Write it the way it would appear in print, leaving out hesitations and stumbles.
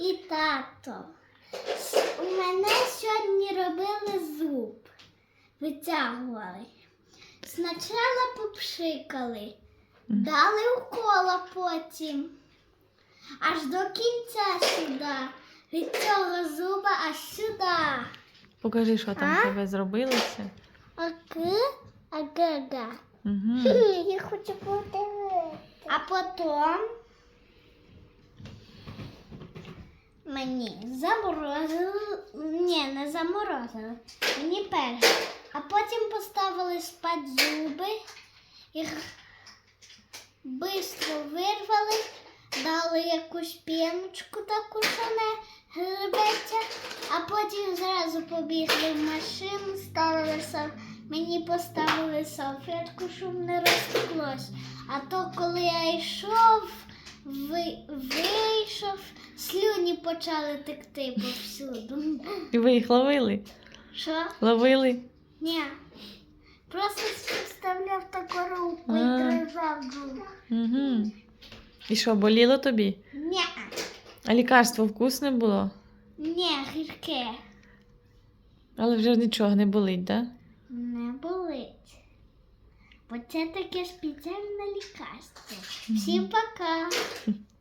і тато. У мене сьогодні робили зуб. Витягували. Спочатку попшикали, дали укола потім. Аж до кінця сюди. Від цього зуба аж сюди. Покажи, що там в тебе зробилося. Ага. Угу. Я хочу подивитися. А потім мені заморозили. Ні, не заморозили. Мені перше. А потім поставили спати зуби. Їх швидко вирвали. Дали якусь піночку таку, що не гребеться, а потім зразу побігли в машину, мені поставили салфетку, щоб не розтеклось. А то, коли я йшов, вийшов, слюні почали текти повсюду. І ви їх ловили? Що? Ловили? Ні. Просто вставляв таку руку і тримав зуб. Угу. І що, боліло тобі? Ні. А лікарство вкусне було? Ні, гірке. Але вже нічого не болить, так? Да? Не болить. Бо це таке спеціальне лікарство. Всім пока.